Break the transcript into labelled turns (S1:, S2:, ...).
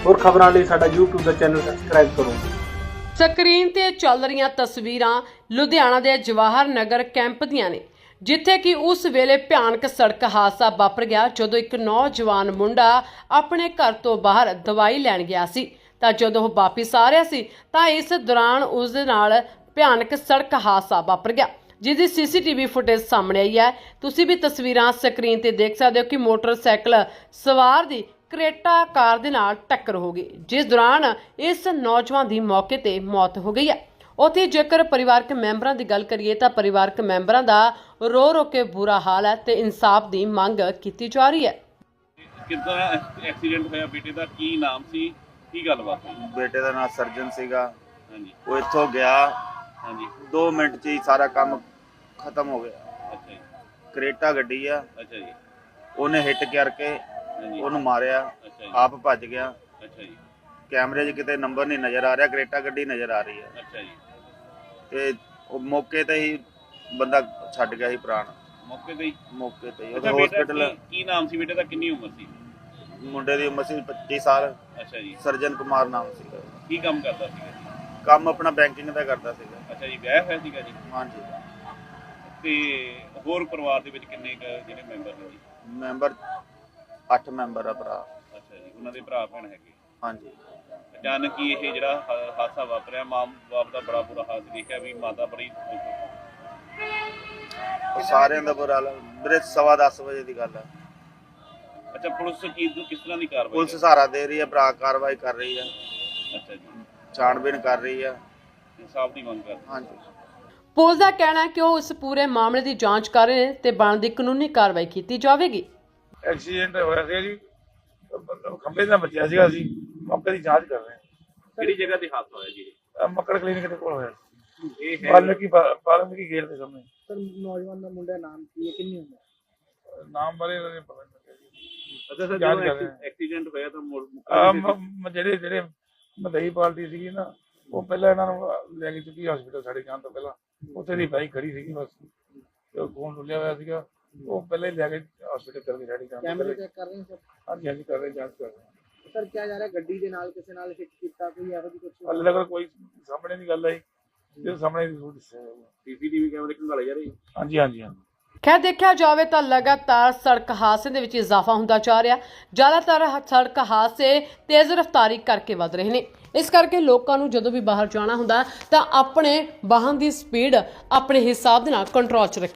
S1: ਹੋਰ ਖਬਰਾਂ ਲਈ ਸਾਡਾ YouTube ਦਾ ਚੈਨਲ ਸਬਸਕ੍ਰਾਈਬ ਕਰੋ।
S2: ਸਕਰੀਨ ਤੇ ਚੱਲ ਰਹੀਆਂ ਤਸਵੀਰਾਂ ਲੁਧਿਆਣਾ ਦੇ ਜਵਾਹਰ ਨਗਰ ਕੈਂਪ ਦੀਆਂ ਨੇ, ਜਿੱਥੇ ਕਿ ਉਸ ਵੇਲੇ ਭਿਆਨਕ ਸੜਕ ਹਾਦਸਾ ਵਾਪਰ ਗਿਆ ਜਦੋਂ ਇੱਕ ਨੌਜਵਾਨ ਮੁੰਡਾ ਆਪਣੇ ਘਰ ਤੋਂ ਬਾਹਰ ਦਵਾਈ ਲੈਣ ਗਿਆ ਸੀ ਤਾਂ ਜਦੋਂ ਉਹ ਵਾਪਸ ਆ ਰਿਹਾ ਸੀ ਤਾਂ ਇਸ ਦੌਰਾਨ ਉਸ ਦੇ ਨਾਲ ਭਿਆਨਕ ਸੜਕ ਹਾਦਸਾ ਵਾਪਰ ਗਿਆ, ਜਿਸ ਦੀ ਸੀਸੀਟੀਵੀ ਫੁਟੇਜ ਸਾਹਮਣੇ ਆਈ ਹੈ। ਤੁਸੀਂ ਵੀ ਤਸਵੀਰਾਂ ਸਕਰੀਨ ਤੇ ਦੇਖ ਸਕਦੇ ਹੋ ਕਿ ਮੋਟਰਸਾਈਕਲ ਸਵਾਰ ਦੀ ਕਰੇਟਾ ਕਾਰ ਦੇ ਨਾਲ ਟੱਕਰ ਹੋ ਗਈ, ਜਿਸ ਦੌਰਾਨ ਇਸ ਨੌਜਵਾਨ ਦੀ ਮੌਕੇ ਤੇ ਮੌਤ ਹੋ ਗਈ ਹੈ। ਉੱਥੇ ਜੇਕਰ ਪਰਿਵਾਰਕ ਮੈਂਬਰਾਂ ਦੀ ਗੱਲ ਕਰੀਏ ਤਾਂ ਪਰਿਵਾਰਕ ਮੈਂਬਰਾਂ ਦਾ ਰੋ ਰੋ ਕੇ ਬੁਰਾ ਹਾਲ ਹੈ ਤੇ ਇਨਸਾਫ ਦੀ ਮੰਗ ਕੀਤੀ ਜਾ ਰਹੀ ਹੈ।
S3: ਕਿੱਦਾਂ ਐਕਸੀਡੈਂਟ ਹੋਇਆ ਬੇਟੇ ਦਾ, ਕੀ ਨਾਮ ਸੀ, ਕੀ ਗੱਲਬਾਤ ਹੋਈ?
S4: ਬੇਟੇ ਦਾ ਨਾਮ ਸਰਜਨ ਸੀਗਾ।
S3: ਹਾਂਜੀ
S4: ਉਹ ਇੱਥੋਂ ਗਿਆ,
S3: ਹਾਂਜੀ
S4: 2 ਮਿੰਟ 'ਚ ਹੀ ਸਾਰਾ ਕੰਮ ਖਤਮ ਹੋ ਗਿਆ।
S3: ਅੱਛਾ ਜੀ,
S4: ਕਰੇਟਾ ਗੱਡੀ ਆ,
S3: ਅੱਛਾ ਜੀ,
S4: ਉਹਨੇ ਹਿੱਟ ਕਰਕੇ
S3: ਹਾਂਜੀ
S4: ਉਹਨੂੰ ਮਾਰਿਆ,
S3: ਅੱਛਾ ਜੀ,
S4: ਆਪ ਭੱਜ ਗਿਆ।
S3: ਅੱਛਾ ਜੀ,
S4: ਕੈਮਰੇ 'ਚ ਕਿਤੇ ਨੰਬਰ ਨਹੀਂ ਨਜ਼ਰ ਆ ਰਿਹਾ, ਕਰੇਟਾ ਗੱਡੀ ਨਜ਼ਰ ਆ ਰਹੀ ਹੈ
S3: ਅੱਛਾ ਜੀ।
S4: ਤੇ ਉਹ ਮੌਕੇ ਤੇ ਹੀ ਬੰਦਾ ਛੱਡ ਗਿਆ ਸੀ ਪ੍ਰਾਣ,
S3: ਮੌਕੇ ਤੇ ਹੀ?
S4: ਮੌਕੇ ਤੇ ਹੀ।
S3: ਅੱਛਾ
S4: ਉਹ
S3: ਬੇਟਾ
S4: ਹਸਪੀਟਲ,
S3: ਕੀ ਨਾਮ ਸੀ ਬੇਟੇ ਦਾ, ਕਿੰਨੀ ਉਮਰ ਸੀ?
S4: ਮੁੰਡੇ ਦੀ ਉਮਰ ਸੀ 25 ਸਾਲ।
S3: ਅੱਛਾ ਜੀ,
S4: ਸਰਜਨ ਕੁਮਾਰ ਨਾਮ ਸੀਗਾ।
S3: ਕੀ ਕੰਮ ਕਰਦਾ ਸੀਗਾ ਜੀ?
S4: ਕੰਮ ਆਪਣਾ ਬੈਂਕਿੰਗ ਦਾ ਕਰਦਾ ਸੀਗਾ।
S3: ਅੱਛਾ ਜੀ, ਵਿਆਹ ਹੋਇਆ ਸੀਗਾ ਜੀ?
S4: ਹਾਂਜੀ।
S3: ਤੇ ਹੋਰ ਪਰਿਵਾਰ ਦੇ ਵਿੱਚ ਕਿੰਨੇ ਜਿਹੜੇ ਮੈਂਬਰ ਨੇ ਜੀ?
S4: ਮੈਂਬਰ 8 ਮੈਂਬਰ ਆ ਭਰਾ।
S3: ਅੱਛਾ ਜੀ, ਉਹਨਾਂ ਦੇ ਭਰਾ ਭੈਣ ਹੈਗੇ?
S4: ਹਾਂਜੀ।
S3: ਅਚਾਨਕ ਹੀ ਇਹ ਜਿਹੜਾ ਹਾਦਸਾ ਵਾਪਰਿਆ, ਮਾਂ ਬਾਪ ਦਾ ਬੜਾ ਬੁਰਾ ਹਾਲ ਦੇਖਿਆ ਵੀ ਮਾਤਾ ਬੜੀ
S4: ਉਹ ਸਾਰਿਆਂ ਦਾ ਬੁਰਾ ਹਾਲ। ਮੇਰੇ 10:15 ਵਜੇ ਦੀ ਗੱਲ ਹੈ।
S3: ਅੱਛਾ, ਪੁਲਿਸ ਕਿਸ ਤਰ੍ਹਾਂ ਦੀ ਕਾਰਵਾਈ
S4: ਪੁਲਿਸ
S3: ਕਰ
S4: ਸਹਾਰਾ ਦੇ ਰਹੀ ਹੈ, ਭਰਾ ਕਾਰਵਾਈ ਕਰ ਰਹੀ ਹੈ,
S3: ਅੱਛਾ ਜੀ,
S4: ਛਾਣਬੀਣ ਕਰ ਰਹੀ ਹੈ।
S3: ਇਨਸਾਫ ਦੀ ਮੰਗ ਕਰ?
S4: ਹਾਂਜੀ।
S2: ਪੁਲਿਸ ਦਾ ਕਹਿਣਾ ਹੈ ਕਿ ਉਹ ਇਸ ਪੂਰੇ ਮਾਮਲੇ ਦੀ ਜਾਂਚ ਕਰ ਰਹੇ ਨੇ ਤੇ ਬਣਦੀ ਕਾਨੂੰਨੀ ਕਾਰਵਾਈ ਕੀਤੀ ਜਾਵੇਗੀ।
S5: ਐਕਸੀਡੈਂਟ ਹੋਇਆ ਸੀ ਜੀ, ਖੰਭੇ ਦਾ ਬਚਿਆ ਸੀਗਾ, ਅਸੀਂ ਮੌਕੇ ਦੀ ਜਾਂਚ ਕਰ ਰਹੇ ਹਾਂ।
S3: ਕਿਹੜੀ ਜਗ੍ਹਾ ਤੇ ਹਾਦਸਾ ਹੋਇਆ ਜੀ?
S5: ਮੱਕੜ ਕਲੀਨਿਕ ਦੇ ਕੋਲ ਹੋਇਆ ਸੀ,
S3: ਇਹ ਹੈ
S5: ਵਾਲਮੀਕੀ ਗੇਟ ਦੇ ਸਾਹਮਣੇ।
S1: ਸਰ, ਨੌਜਵਾਨ ਦਾ ਮੁੰਡਾ ਨਾਮ ਕੀ ਹੈ, ਕਿੰਨੀ ਉਮਰ?
S5: ਨਾਮ ਬਾਰੇ ਨਹੀਂ ਪਤਾ ਲੱਗਿਆ ਜੀ।
S3: ਅੱਛਾ ਸਰ,
S5: ਜਾਂਚ
S3: ਜਦੋਂ
S5: ਕਰ ਰਹੇ ਹਾਂ।
S3: ਐਕਸੀਡੈਂਟ ਹੋਇਆ ਤਾਂ
S5: ਜਿਹੜੇ ਮਦਈ ਪਾਰਟੀ ਸੀਗੀ ਨਾ, ਉਹ ਪਹਿਲਾਂ ਇਹਨਾਂ ਨੂੰ ਲੈ ਕੇ ਚੁੱਕੀ ਹਸਪੀਟਲ ਸਾਡੇ ਜਾਣ ਤੋਂ ਪਹਿਲਾਂ। ਉੱਥੇ ਦੀ ਬਾਈਕ ਖੜੀ ਸੀਗੀ ਬਸ, ਤੇ ਉਹ ਖੂਨ ਡੁੱਲਿਆ ਹੋਇਆ ਸੀਗਾ, ਉਹ ਪਹਿਲਾਂ ਹੀ ਲੈ ਕੇ ਹਸਪੀਟਲ ਚਲ ਗਏ ਸਾਡੇ ਜਾਣ ਤੋਂ
S1: ਕੈਮਰੇ
S5: ਪਹਿਲਾਂ।
S1: ਚੈੱਕ ਕਰ ਰਹੇ ਸਰ?
S5: ਹਾਂਜੀ ਹਾਂਜੀ, ਕਰ ਰਹੇ, ਜਾਂਚ ਕਰ ਰਹੇ।
S1: ਸਰ, ਕਿਹਾ ਜਾ ਰਿਹਾ ਗੱਡੀ ਦੇ ਨਾਲ ਕਿਸੇ ਨਾਲ ਹਿੱਟ ਕੀਤਾ, ਕੋਈ ਇਹੋ ਜਿਹੀ ਕੁਝ?
S5: ਹਾਲੇ ਤੱਕ ਕੋਈ ਸਾਹਮਣੇ ਦੀ ਗੱਲ ਆਈ, ਜੇ ਸਾਹਮਣੇ ਦੀ ਜ਼ਰੂਰ ਦੱਸਿਆ ਜਾਊਗਾ।
S3: ਸੀਸੀਟੀਵੀ ਕੈਮਰੇ ਖੰਗਾਲੇ ਜਾ ਰਹੇ?
S5: ਹਾਂਜੀ ਹਾਂਜੀ ਹਾਂਜੀ।
S2: ਖੈਰ ਦੇਖਿਆ ਜਾਵੇ ਤਾਂ ਲਗਾਤਾਰ ਸੜਕ ਹਾਦਸੇ ਦੇ ਵਿੱਚ ਇਜ਼ਾਫਾ ਹੁੰਦਾ ਜਾ ਰਿਹਾ। ਜ਼ਿਆਦਾਤਰ ਸੜਕ ਹਾਦਸੇ ਤੇਜ਼ ਰਫ਼ਤਾਰੀ ਕਰਕੇ ਵੱਧ ਰਹੇ ਨੇ। ਇਸ ਕਰਕੇ ਲੋਕਾਂ ਨੂੰ ਜਦੋਂ ਵੀ ਬਾਹਰ ਜਾਣਾ ਹੁੰਦਾ ਤਾਂ ਆਪਣੇ ਵਾਹਨ ਦੀ ਸਪੀਡ ਆਪਣੇ ਹਿਸਾਬ ਦੇ ਨਾਲ ਕੰਟਰੋਲ 'ਚ ਰੱਖੇ।